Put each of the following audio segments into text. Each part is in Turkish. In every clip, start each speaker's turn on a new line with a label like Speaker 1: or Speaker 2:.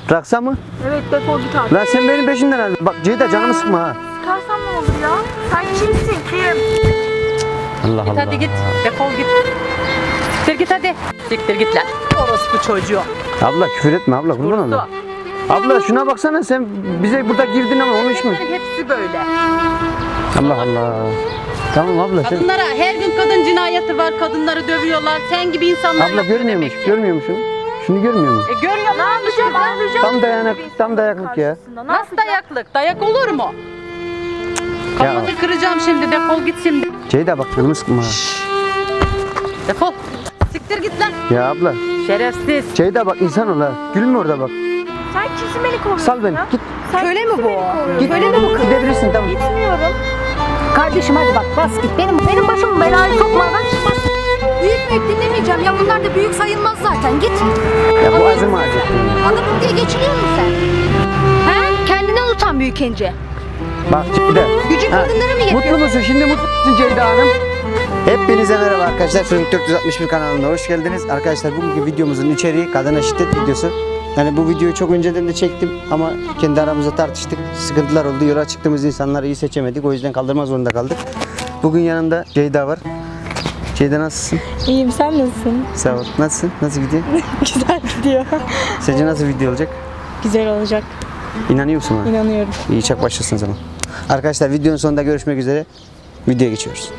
Speaker 1: Bıraksa mı?
Speaker 2: Evet, defol git artık.
Speaker 1: Lan sen benim peşimden al. Bak Ceyda canımı sıkma ha.
Speaker 2: Sıkarsan ne olur ya? Sen kimsin, kim?
Speaker 1: Allah
Speaker 3: Git
Speaker 1: Allah.
Speaker 3: hadi git. Defol git. Siktir git hadi. Siktir git lan. Orospu çocuğu.
Speaker 1: Abla küfür etme abla kurban
Speaker 3: Vurdu.
Speaker 1: olayım. Abla şuna baksana sen bize burada girdin ama onu iş mi?
Speaker 3: Bunların hepsi böyle.
Speaker 1: Allah Allah. Tamam abla sen.
Speaker 3: Kadınlara her gün kadın cinayeti var. Kadınları dövüyorlar. Sen gibi insanlar
Speaker 1: Abla
Speaker 3: yapıyor
Speaker 1: görmüyormuş.
Speaker 3: demek ki.
Speaker 1: Görmüyor musun? Şunu görmüyor musun?
Speaker 3: Görüyor
Speaker 2: Ne yapacağım? Ağlayacağım.
Speaker 1: Tam dayanak, tam dayaklık ya.
Speaker 3: Nasıl dayaklık? Dayak olur mu? Kafanı kıracağım şimdi. Defol git şimdi.
Speaker 1: Ceyda bak canımı sıkma ha.
Speaker 3: Defol. Siktir git lan.
Speaker 1: Ya abla.
Speaker 3: Şerefsiz.
Speaker 1: Ceyda bak insan ol ha. Gülme orada bak.
Speaker 2: Sen kimsin, beni kovuyorsun
Speaker 1: Sal beni.
Speaker 2: ya?
Speaker 1: Git.
Speaker 2: Sen
Speaker 3: Köle mi
Speaker 2: kimsin,
Speaker 3: bu?
Speaker 2: beni kovuyorsun?
Speaker 1: Git.
Speaker 2: Köle mi bu kız?
Speaker 1: Gidebilirsin tamam.
Speaker 2: Gitmiyorum.
Speaker 4: Kardeşim hadi bak bas git. Benim başım belaya sokmadan çıkmaz. Büyük dinlemeyeceğim. Ya bunlar da büyük sayılmaz zaten. Git.
Speaker 1: Ya bu azım ağacı.
Speaker 4: Adamım diye geçiniyor musun sen? He? Kendinden utan büyük ince.
Speaker 1: Bak Ceyda.
Speaker 4: Gücün
Speaker 1: Ha,
Speaker 4: kadınlara mı yetiyor?
Speaker 1: Mutlu musun? Şimdi mutlu musun Ceyda Hanım? Hepinize merhaba arkadaşlar. Fırın 461 kanalına hoş geldiniz. Arkadaşlar bugünkü videomuzun içeriği kadına şiddet videosu. Yani bu videoyu çok önceden de çektim ama kendi aramızda tartıştık. Sıkıntılar oldu. Yola çıktığımız insanları iyi seçemedik. O yüzden kaldırmak zorunda kaldık. Bugün yanımda Ceyda var. Ceyda nasılsın?
Speaker 2: İyiyim, sen nasılsın?
Speaker 1: Sağ ol. Nasılsın? Nasıl gidiyor?
Speaker 2: Güzel gidiyor.
Speaker 1: Sence nasıl video olacak?
Speaker 2: Güzel olacak,
Speaker 1: İnanıyorsun bana.
Speaker 2: inanıyorum.
Speaker 1: İyi çak başlasın zaman. Arkadaşlar videonun sonunda görüşmek üzere. Videoya geçiyoruz.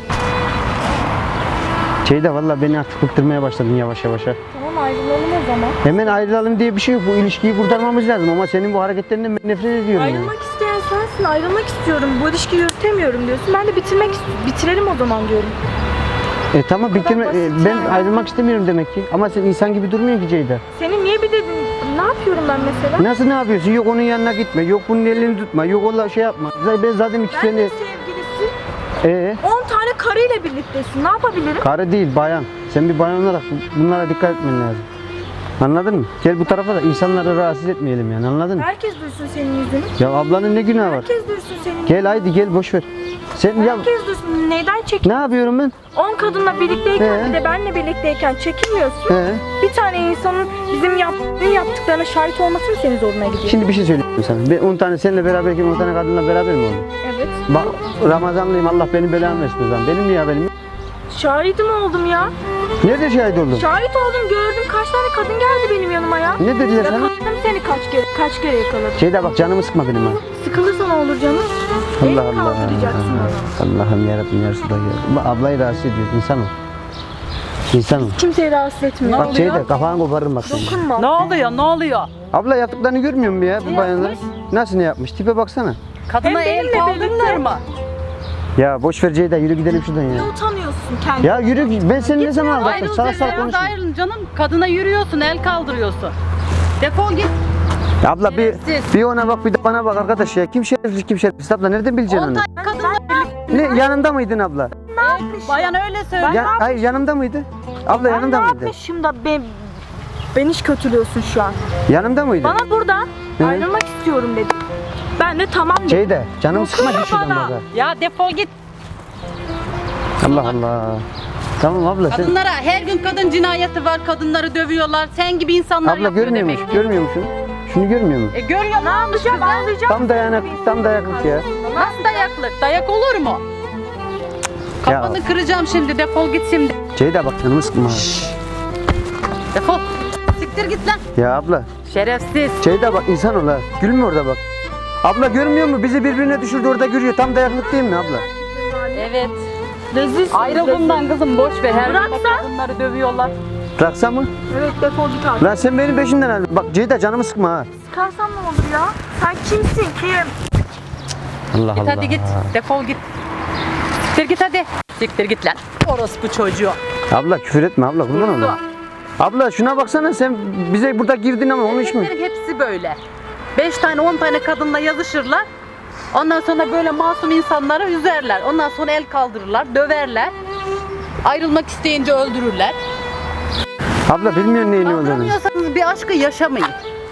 Speaker 1: Ceyda valla beni artık bıktırmaya başladın yavaş yavaş.
Speaker 2: Tamam, ayrılalım o zaman.
Speaker 1: Hemen ayrılalım diye bir şey yok. Bu ilişkiyi kurtarmamız lazım ama senin bu hareketlerinden ben nefret ediyorum. ya.
Speaker 2: Ayrılmak isteyen sensin, ayrılmak istiyorum. Bu ilişkiyi yürütemiyorum diyorsun. Ben de bitirelim o zaman diyorum.
Speaker 1: Tamam bitirme.
Speaker 2: basit
Speaker 1: Ben
Speaker 2: yani.
Speaker 1: ayrılmak istemiyorum demek ki. Ama sen insan gibi durmuyorsun ki Ceyda.
Speaker 2: Senin niye bir dedin? Ne yapıyorum ben mesela?
Speaker 1: Nasıl ne yapıyorsun? Yok onun yanına gitme. Yok bunun elini tutma. Yok ola şey yapma. Ben zaten iki
Speaker 2: Ben
Speaker 1: sene...
Speaker 2: de sevgilisi 10 tane karıyla birliktesin. Ne yapabilirim?
Speaker 1: Karı değil bayan. Sen bir bayan olarak bunlara dikkat etmen lazım. Anladın mı? Gel bu tarafa da insanları rahatsız etmeyelim yani anladın mı?
Speaker 2: Herkes duysun senin yüzünü.
Speaker 1: Ya ablanın ne günahı var?
Speaker 2: Herkes duysun senin.
Speaker 1: Gel haydi gel boş ver. Sen ya
Speaker 2: Herkes duysun. Neyden çekin?
Speaker 1: ne yapıyorum ben?
Speaker 2: 10 kadınla birlikteyken
Speaker 1: He.
Speaker 2: bir de benle birlikteyken çekinmiyorsun.
Speaker 1: He.
Speaker 2: Bir tane insanın bizim yaptıklarına şahit olması mı senin zoruna gidiyor?
Speaker 1: Şimdi bir şey söyleyeyim sana. Ben 10 tane seninle beraberken 10 tane kadınla beraber mi oldum?
Speaker 2: Evet.
Speaker 1: Bak Ramazanlıyım Allah benim belamı versin o zaman. Benim mi ya benim?
Speaker 2: Şahidim oldum ya.
Speaker 1: Nerede şahit oldun?
Speaker 2: Şahit oldum, gördüm. Kaç tane kadın geldi benim yanıma ya.
Speaker 1: Ne dediler sana?
Speaker 2: Yakaladım seni kaç kere yakaladım.
Speaker 1: Ceyda bak canımı sıkma benim ha.
Speaker 2: Sıkılırsa ne olur canım? El
Speaker 1: Allah Allah.
Speaker 2: kaldıracaksın bana.
Speaker 1: Allah'ım yarabbim ya Resulallah ya. Bak ablayı rahatsız ediyor. İnsan ol. İnsan ol.
Speaker 2: Kimseyi rahatsız etmiyor.
Speaker 1: Bak Ceyda kafanı koparırım bak senin.
Speaker 2: Dokunma.
Speaker 3: Ne oluyor? Ne oluyor?
Speaker 1: Abla yaptıklarını görmüyor musun ya bu bayanlar? Nasıl ne yapmış? Tipe baksana.
Speaker 3: Kadına
Speaker 2: Hem
Speaker 3: el
Speaker 2: benimle
Speaker 3: kaldırırlar
Speaker 2: birlikte-
Speaker 3: mı?
Speaker 1: Ya boş ver Ceyda yürü gidelim şuradan
Speaker 2: Ne
Speaker 1: ya.
Speaker 2: utanıyorsun kendini?
Speaker 1: Ya yürü ben seni ne zaman aldattım? Salak salak
Speaker 3: Ayrılacak
Speaker 1: konuşma.
Speaker 3: ayrılın canım. Kadına yürüyorsun, el kaldırıyorsun. Defol git.
Speaker 1: Ya abla
Speaker 3: Şerefsiz.
Speaker 1: bir ona bak bir de bana bak arkadaş ya. Kim şerefsiz kim şerefsiz abla nereden bileceksin
Speaker 3: 10
Speaker 1: onu?
Speaker 3: tane kadınla birlikte.
Speaker 1: Ne yanında mıydın abla?
Speaker 3: Bayan öyle söylüyor.
Speaker 1: Ya, hayır yanımda mıydı? Abla
Speaker 2: Ben ne
Speaker 1: yanımda mıydı?
Speaker 2: yapmışım da beni hiç kötülüyorsun şu an.
Speaker 1: Yanımda mıydı?
Speaker 2: Bana buradan
Speaker 1: Hı.
Speaker 2: ayrılmak istiyorum dedim. Ben de tamam dedim.
Speaker 1: Ceyda canım sıkma git şuradan
Speaker 3: Bana.
Speaker 1: bak ha.
Speaker 3: Ya defol git.
Speaker 1: Allah Allah. Tamam abla sen.
Speaker 3: Kadınlara her gün kadın cinayeti var. Kadınları dövüyorlar. Sen gibi insanlar
Speaker 1: Abla
Speaker 3: yapıyor
Speaker 1: görmüyor
Speaker 3: demek
Speaker 1: musun?
Speaker 3: ki.
Speaker 1: Görmüyor musun? Şunu görmüyor musun?
Speaker 3: Görüyor
Speaker 2: Ne yapacağım? Ağlayacağım.
Speaker 1: Tam dayanak, tam dayaklık ya.
Speaker 3: Nasıl dayaklık? Dayak olur mu? Kafanı kıracağım şimdi. Defol git şimdi.
Speaker 1: Ceyda bak canımı sıkma ha.
Speaker 3: Defol. Siktir git lan.
Speaker 1: Ya abla.
Speaker 3: Şerefsiz.
Speaker 1: Ceyda bak insan ol ha. Gülme orada bak. Abla görmüyor mu? Bizi birbirine düşürdü orada görüyor. Tam dayaklık değil mi abla?
Speaker 3: Evet.
Speaker 2: Rezilsin.
Speaker 3: Ayrıl bundan kızım. Boş ver. Her gün
Speaker 2: Bıraksan.
Speaker 3: kadınları dövüyorlar.
Speaker 1: Bıraksa mı?
Speaker 2: Evet, defol git artık.
Speaker 1: Lan sen benim peşimden al. Bak Ceyda canımı sıkma ha.
Speaker 2: Sıkarsan ne olur ya? Sen kimsin, kim?
Speaker 1: Allah
Speaker 3: Git hadi git. Defol git. Siktir git hadi. Siktir git lan. Orospu çocuğu.
Speaker 1: Abla küfür etme abla kurban
Speaker 3: Vurdu.
Speaker 1: olayım. Abla şuna baksana sen bize burada girdin ama onu iş mi?
Speaker 3: Bunların hepsi böyle. 5 tane 10 tane kadınla yazışırlar. Ondan sonra böyle masum insanları üzerler. Ondan sonra el kaldırırlar, döverler. Ayrılmak isteyince öldürürler.
Speaker 1: Abla bilmiyorsun neyin ne olduğunu.
Speaker 3: Kaldıramıyorsanız bir aşkı yaşamayın.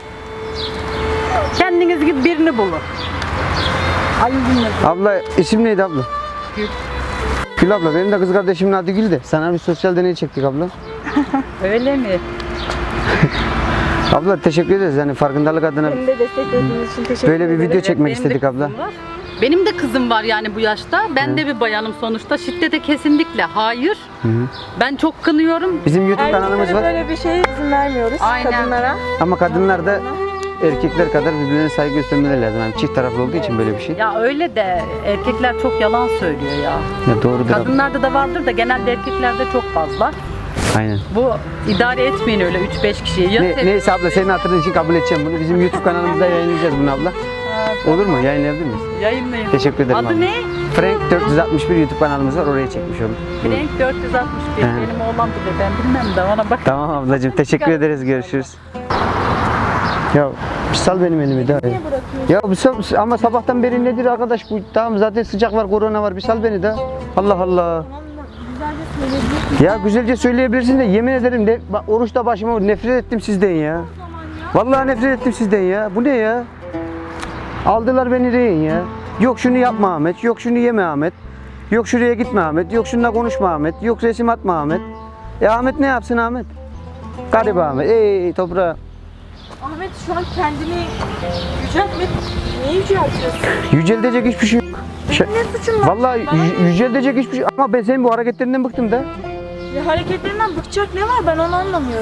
Speaker 3: Kendiniz gibi birini bulun. Ay bilmez.
Speaker 1: Abla isim neydi abla?
Speaker 3: Gül.
Speaker 1: Gül abla benim de kız kardeşimin adı Gül de. Sana bir sosyal deney çektik abla.
Speaker 3: Öyle mi?
Speaker 1: Abla teşekkür ederiz yani farkındalık adına
Speaker 2: Beni de desteklediğiniz için teşekkür
Speaker 1: böyle bir
Speaker 2: ederim.
Speaker 1: video çekmek
Speaker 3: Benim de
Speaker 1: istedik abla.
Speaker 3: kızım var. Benim de kızım var yani bu yaşta. Ben de bir bayanım sonuçta. Şiddete kesinlikle hayır. Ben çok kınıyorum.
Speaker 1: Bizim YouTube kanalımız
Speaker 2: Erkeklere
Speaker 1: var
Speaker 2: böyle bir şeye izin vermiyoruz.
Speaker 3: Aynen.
Speaker 2: Kadınlara.
Speaker 1: ama kadınlar da erkekler kadar birbirine saygı göstermeleri lazım. Yani çift taraflı olduğu için böyle bir şey.
Speaker 3: Ya öyle de erkekler çok yalan söylüyor ya.
Speaker 1: Ya doğrudur abla.
Speaker 3: Kadınlarda da vardır da genelde erkeklerde çok fazla.
Speaker 1: Aynen.
Speaker 3: Bu idare etmeyin öyle 3-5 kişiyi. Ya
Speaker 1: Neyse abla senin hatırın için kabul edeceğim bunu. Bizim YouTube kanalımızda yayınlayacağız bunu abla. Olur mu? Yayınlayabilir miyiz?
Speaker 3: Yayınlayın.
Speaker 1: Teşekkür ederim
Speaker 3: Adı
Speaker 1: abla.
Speaker 3: ne?
Speaker 1: Frank 461 YouTube kanalımız var. Oraya çekmiş oldum.
Speaker 3: Frank 461.
Speaker 1: He.
Speaker 3: Benim oğlan bilir. Ben bilmem de ona bak.
Speaker 1: Tamam ablacığım. Teşekkür ederiz. Görüşürüz. Ya bir sal benim elimi daha. Ya bir sal, ama sabahtan beri nedir arkadaş bu? Tamam zaten sıcak var, korona var. Bir sal beni de. Allah Allah. Ya güzelce söyleyebilirsin de yemin ederim de bak, oruçta başıma nefret ettim sizden ya. Vallahi nefret ettim sizden ya. Bu ne ya? Aldılar beni rehin ya. Yok şunu yapma Ahmet, yok şunu yeme Ahmet. Yok şuraya gitme Ahmet, yok şununla konuşma Ahmet, yok resim atma Ahmet. Ahmet ne yapsın Ahmet? Garip Ahmet, ey toprağa.
Speaker 2: Ahmet şu an kendini yüceltme. Niye yüceltiyorsun?
Speaker 1: Yüceltecek hiçbir şey yok.
Speaker 2: Ne suçum var?
Speaker 1: Vallahi yüceltecek hiçbir şey ama ben senin bu hareketlerinden bıktım da.
Speaker 2: Ya hareketlerinden bıkacak ne var ben onu anlamıyorum.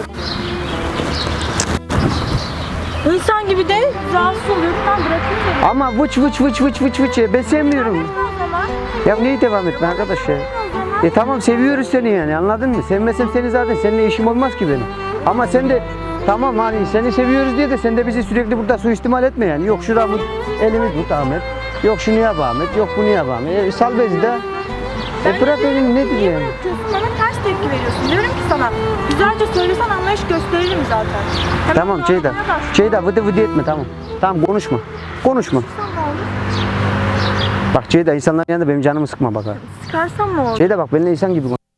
Speaker 2: İnsan gibi de rahatsız oluyorum ben bırakayım dedim.
Speaker 1: Ama vıç vıç vıç vıç vıç vıç ben sevmiyorum.
Speaker 2: O zaman.
Speaker 1: Ya neyi devam etme arkadaş ya.
Speaker 2: O zaman.
Speaker 1: Tamam seviyoruz seni yani anladın mı? Sevmesem seni zaten seninle işim olmaz ki benim. Ama sen de tamam hani seni seviyoruz diye de sen de bizi sürekli burada suistimal etme yani. Yok şuramı elimi tut Ahmet. Yok şunu yap Ahmet. Yok bunu yap Ahmet. Sal bezi de. Bırak elini nedir
Speaker 2: Niye
Speaker 1: yani?
Speaker 2: bırakıyorsun? Bana ters tepki veriyorsun. Diyorum ki sana güzelce söylesen anlayış gösteririm zaten. Hemen
Speaker 1: Tamam Ceyda.
Speaker 2: ağlamaya başlıyorsun.
Speaker 1: Ceyda vıdı vıdı etme tamam. Tamam konuşma. Konuşma.
Speaker 2: Sıkarsam ne olur?
Speaker 1: Bak Ceyda insanların yanında benim canımı sıkma bak ha.
Speaker 2: Sıkarsam ne olur?
Speaker 1: Ceyda bak benimle insan gibi konuş.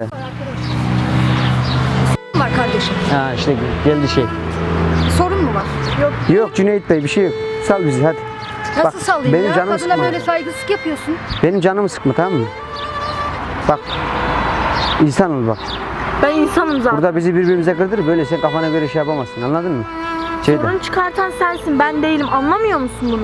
Speaker 4: Var kardeşim.
Speaker 1: Ha işte geldi şey.
Speaker 4: Sorun mu var?
Speaker 1: Yok Cüneyt Bey bir şey yok. Sal bizi hadi.
Speaker 4: Nasıl
Speaker 1: Bak,
Speaker 4: sallayayım
Speaker 1: benim
Speaker 4: ya?
Speaker 1: canımı
Speaker 4: Kadına
Speaker 1: sıkma.
Speaker 4: böyle saygısızlık yapıyorsun.
Speaker 1: Benim canımı sıkma tamam mı? Bak. İnsan ol bak.
Speaker 2: Ben insanım zaten.
Speaker 1: Burada bizi birbirimize kırdır böyle sen kafana göre şey yapamazsın anladın mı? Ceyda.
Speaker 2: Sorun çıkartan sensin ben değilim anlamıyor musun bunu?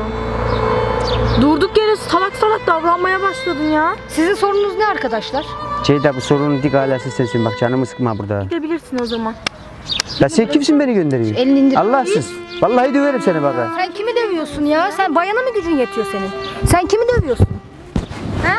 Speaker 2: Durduk yere salak salak davranmaya başladın ya.
Speaker 4: Sizin sorununuz ne arkadaşlar?
Speaker 1: Ceyda bu sorunun dik alası sensin bak canımı sıkma burada.
Speaker 2: Gidebilirsin o zaman.
Speaker 1: Ya sen kimsin beni gönderiyor?
Speaker 4: Elini indir.
Speaker 1: Allahsız. Vallahi döverim seni bak ha.
Speaker 4: Sen kimi dövüyorsun ya? Sen bayana mı gücün yetiyor senin? Sen kimi dövüyorsun? Ha?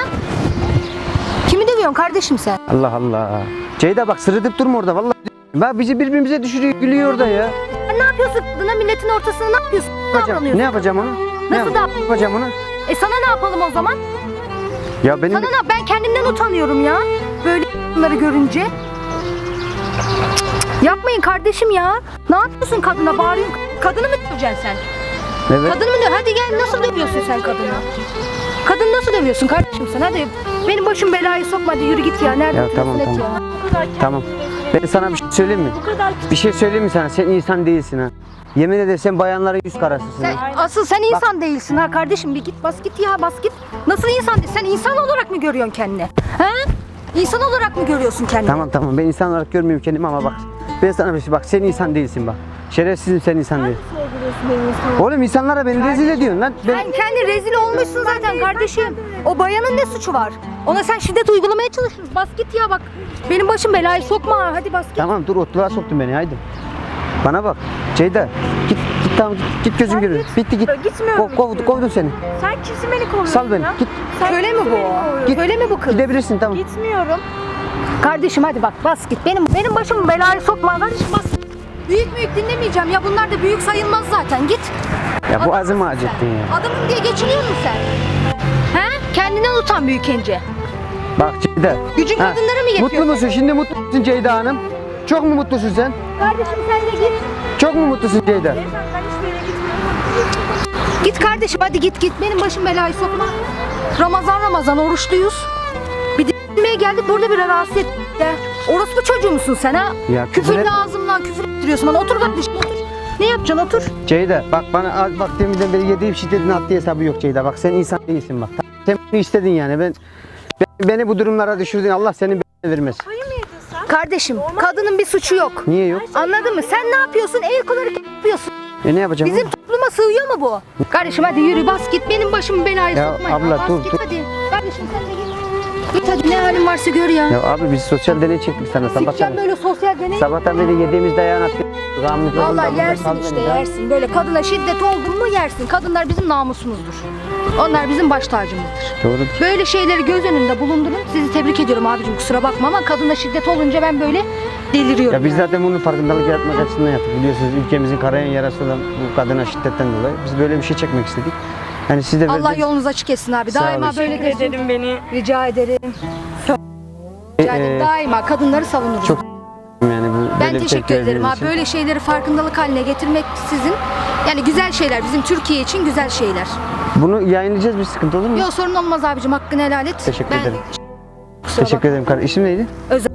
Speaker 4: Kimi dövüyorsun kardeşim sen?
Speaker 1: Allah Allah. Ceyda bak sırıtıp durma orada vallahi. Bak bizi birbirimize düşürüyor gülüyor orada ya.
Speaker 4: Sen ne yapıyorsun kadına milletin ortasına ne yapıyorsun?
Speaker 1: Ne yapacağım onu?
Speaker 4: Nasıl
Speaker 1: Ne yapacağım onu?
Speaker 4: Sana ne yapalım o zaman?
Speaker 1: Ya benim
Speaker 4: Sana ne? Ben kendimden utanıyorum ya. Böyle bunları görünce. Cık, yapmayın kardeşim ya. Ne yapıyorsun kadına? Bağırıyorsun. Kadını mı döveceksin sen?
Speaker 1: evet.
Speaker 4: Kadını mı döv? Hadi gel nasıl dövüyorsun sen kadını? Kadını nasıl dövüyorsun kardeşim sen? Hadi benim başım belayı sokma hadi yürü git ya. Nerede
Speaker 1: Ya
Speaker 4: oturuyorsun
Speaker 1: tamam,
Speaker 4: et
Speaker 1: tamam.
Speaker 4: ya.
Speaker 2: Bu kadar
Speaker 1: Tamam. Ben sana bir şey söyleyeyim mi?
Speaker 2: Bu kadar
Speaker 1: Bir şey söyleyeyim mi sana? Sen insan değilsin ha. Yemin ederim sen bayanların yüz karasısın.
Speaker 4: Sen,
Speaker 1: ha.
Speaker 4: asıl sen insan değilsin ha kardeşim. Bir git bas git ya bas git. Nasıl insan değil? Sen insan olarak mı görüyorsun kendini? Ha? İnsan olarak mı görüyorsun kendini?
Speaker 1: Tamam ben insan olarak görmüyorum kendimi ama bak. Ben sana bir şey bak sen insan değilsin bak. Şerefsizim sen insan değil.
Speaker 2: sevgiliyorsun benim insanım.
Speaker 1: Oğlum insanlara beni rezil ediyorsun lan. Ben...
Speaker 4: Sen kendi rezil olmuşsun zaten kardeşim. O bayanın ne suçu var? Ona sen şiddet uygulamaya çalışıyorsun. Bas git ya bak. Benim başım belayı sokma ha. Hadi bas git.
Speaker 1: Tamam dur otluğa soktun beni haydi. Bana bak. Ceyda git tamam git gözüm görür. Bitti git.
Speaker 2: Gitmiyorum.
Speaker 1: Kovdum seni.
Speaker 2: Sen kimsin beni kovuyorsun
Speaker 1: Sal beni.
Speaker 2: ya?
Speaker 1: Git.
Speaker 2: Sen
Speaker 4: Köle mi
Speaker 2: kimsin
Speaker 4: bu?
Speaker 2: beni kovuyorsun?
Speaker 1: Git.
Speaker 4: Öyle mi bu kız?
Speaker 1: Gidebilirsin tamam.
Speaker 2: Gitmiyorum.
Speaker 4: Kardeşim hadi bak bas git. Benim başımı belaya sokma. Kardeşim bas. Büyük dinlemeyeceğim ya. Bunlar da büyük sayılmaz zaten. Git.
Speaker 1: Ya bu azımı acıttın ya.
Speaker 4: Adamım diye geçiniyor musun sen? He? Kendinden utan büyükence.
Speaker 1: Bak Ceyda.
Speaker 4: Gücün
Speaker 1: Ha,
Speaker 4: kadınlara mı yetiyor?
Speaker 1: Mutlu musun? Şimdi mutlu musun Ceyda Hanım? Çok mu mutlusun sen?
Speaker 4: Kardeşim sen de git.
Speaker 1: Çok mu mutlusun Ceyda?
Speaker 2: Ben hiçbir yere gitmiyorum.
Speaker 4: Git kardeşim hadi git. Benim başım belayı sokma. Ramazan oruçluyuz. Bir dinlemeye geldik burada bir rahatsız ettik de. Orospu çocuğu musun sen ha?
Speaker 1: Ya küfür
Speaker 4: Küfürlü
Speaker 1: et-
Speaker 4: ağzımdan küfür ettiriyorsun bana. Otur kardeşim otur. Ne yapacaksın otur.
Speaker 1: Ceyda bak bana bak deminden beri yediğim şiddetin haddi hesabı yok Ceyda. Bak sen insan değilsin bak. Sen bunu istedin yani. Beni bu durumlara düşürdün. Allah senin belanı vermez.
Speaker 2: Hayır mı yedin sen?
Speaker 4: Kardeşim kadının bir suçu yok.
Speaker 1: Niye yok?
Speaker 4: Anladın mı? Sen ne yapıyorsun? El kol hareketi yapıyorsun.
Speaker 1: Ne yapacağım?
Speaker 4: Bizim topluma sığıyor mu bu? Kardeşim hadi yürü bas git benim başımı belaya
Speaker 1: Ya
Speaker 4: sokma.
Speaker 1: abla,
Speaker 4: Bas
Speaker 1: dur,
Speaker 4: git
Speaker 1: dur.
Speaker 4: hadi. Kardeşim sen de git. Git hadi ne halin varsa gör ya.
Speaker 1: Ya abi biz sosyal deney çektik sana
Speaker 4: Sikeceğim
Speaker 1: sabahtan.
Speaker 4: böyle sosyal deney.
Speaker 1: Sabahtan beri yediğimiz dayağın atıyor.
Speaker 4: Vallahi yersin işte yersin. Böyle kadına şiddet oldun mu yersin. Kadınlar bizim namusumuzdur. Onlar bizim baş tacımızdır.
Speaker 1: Doğrudur.
Speaker 4: Böyle şeyleri göz önünde bulundurun. Sizi tebrik ediyorum abicim kusura bakma ama kadına şiddet olunca ben böyle deliriyorum.
Speaker 1: Ya biz
Speaker 4: yani.
Speaker 1: zaten bunun farkındalık yaratmak açısından yaptık. Biliyorsunuz ülkemizin kanayan yarası olan bu kadına şiddetten dolayı biz böyle bir şey çekmek istedik. Yani siz de
Speaker 4: Allah yolunuz açık etsin abi.
Speaker 1: Sağ
Speaker 4: Daima
Speaker 1: olasın.
Speaker 4: böyle
Speaker 2: Teşekkür
Speaker 4: desin.
Speaker 2: ederim beni.
Speaker 4: Rica ederim. Rica ederim. Daima kadınları savunuruz.
Speaker 1: çok yani bu
Speaker 4: Ben
Speaker 1: böyle bir
Speaker 4: teşekkür
Speaker 1: tepki
Speaker 4: ederim
Speaker 1: verdiğiniz
Speaker 4: abi.
Speaker 1: için.
Speaker 4: Böyle şeyleri farkındalık haline getirmek sizin yani güzel şeyler. Bizim Türkiye için güzel şeyler.
Speaker 1: Bunu yayınlayacağız, bir sıkıntı olur mu?
Speaker 4: Yok sorun olmaz abicim. Hakkını helal et.
Speaker 1: Teşekkür ederim.
Speaker 4: Kusura
Speaker 1: Teşekkür
Speaker 4: bakma.
Speaker 1: ederim kardeşim. İsim neydi?
Speaker 4: Özel.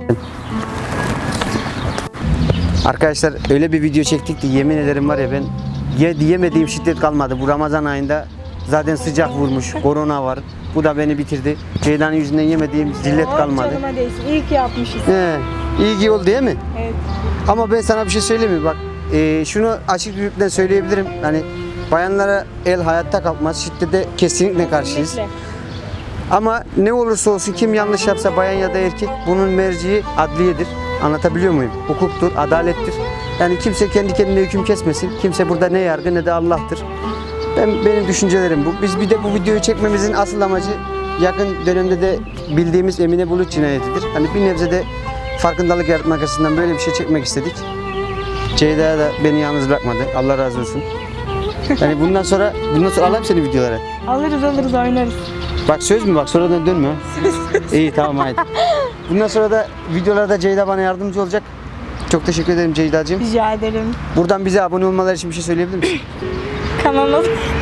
Speaker 1: Arkadaşlar öyle bir video çektik ki yemin ederim var ya ben yemediğim şiddet kalmadı. Bu Ramazan ayında zaten sıcak vurmuş, korona var. Bu da beni bitirdi. Ceyda'nın yüzünden yemediğim zillet kalmadı.
Speaker 2: Canıma değsin. İyi ki yapmışız.
Speaker 1: He, iyi ki oldu değil mi?
Speaker 2: Evet.
Speaker 1: Ama ben sana bir şey söyleyeyim mi? Bak şunu açık yürekten söyleyebilirim. Hani bayanlara el hayatta kalkmaz. Şiddete kesinlikle karşıyız.
Speaker 2: Kesinlikle.
Speaker 1: Ama ne olursa olsun kim yanlış yapsa bayan ya da erkek bunun merciği adliyedir. Anlatabiliyor muyum? Hukuktur, adalettir. Yani kimse kendi kendine hüküm kesmesin. Kimse burada ne yargı ne de Allah'tır. Benim düşüncelerim bu. Biz bir de bu videoyu çekmemizin asıl amacı yakın dönemde de bildiğimiz Emine Bulut cinayetidir. Hani bir nebze de farkındalık yaratmak açısından böyle bir şey çekmek istedik. Ceyda da beni yalnız bırakmadı. Allah razı olsun. Yani bundan sonra alayım seni videolara.
Speaker 2: Alırız oynarız.
Speaker 1: Bak söz mü bak sonradan dönme. İyi tamam haydi. Bundan sonra da videolarda Ceyda bana yardımcı olacak. Çok teşekkür ederim Ceyda'cığım.
Speaker 2: Rica ederim.
Speaker 1: Buradan bize abone olmaları için bir şey söyleyebilir misin?
Speaker 2: Kanala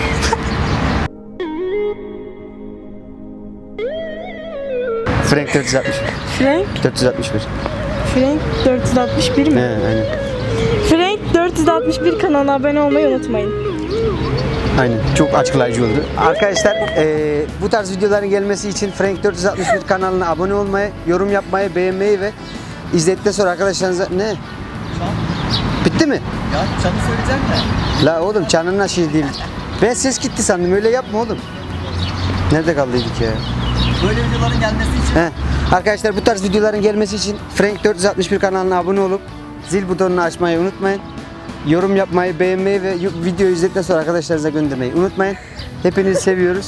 Speaker 1: Frank 460.
Speaker 2: Frank
Speaker 1: 461.
Speaker 2: Frank 461 mi?
Speaker 1: He aynen.
Speaker 2: Frank 461 kanalına abone olmayı unutmayın.
Speaker 1: Aynen. Çok açıklayıcı oldu. Arkadaşlar bu tarz videoların gelmesi için Frank 461 kanalına abone olmayı, yorum yapmayı, beğenmeyi ve izledikten sonra arkadaşlarınıza ne? Bitti mi?
Speaker 5: Ya çanı söyleyeceğim de.
Speaker 1: La oğlum çanın şey değil. Ben ses gitti sandım. Öyle yapma oğlum. Nerede kaldıydık ya?
Speaker 5: Böyle videoların gelmesi için
Speaker 1: He. Arkadaşlar bu tarz videoların gelmesi için Frank 461 kanalına abone olup zil butonunu açmayı unutmayın. Yorum yapmayı, beğenmeyi ve videoyu izledikten sonra arkadaşlarınıza göndermeyi unutmayın. Hepinizi seviyoruz.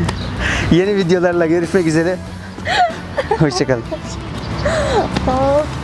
Speaker 1: Yeni videolarla görüşmek üzere. Hoşçakalın.
Speaker 2: Hop.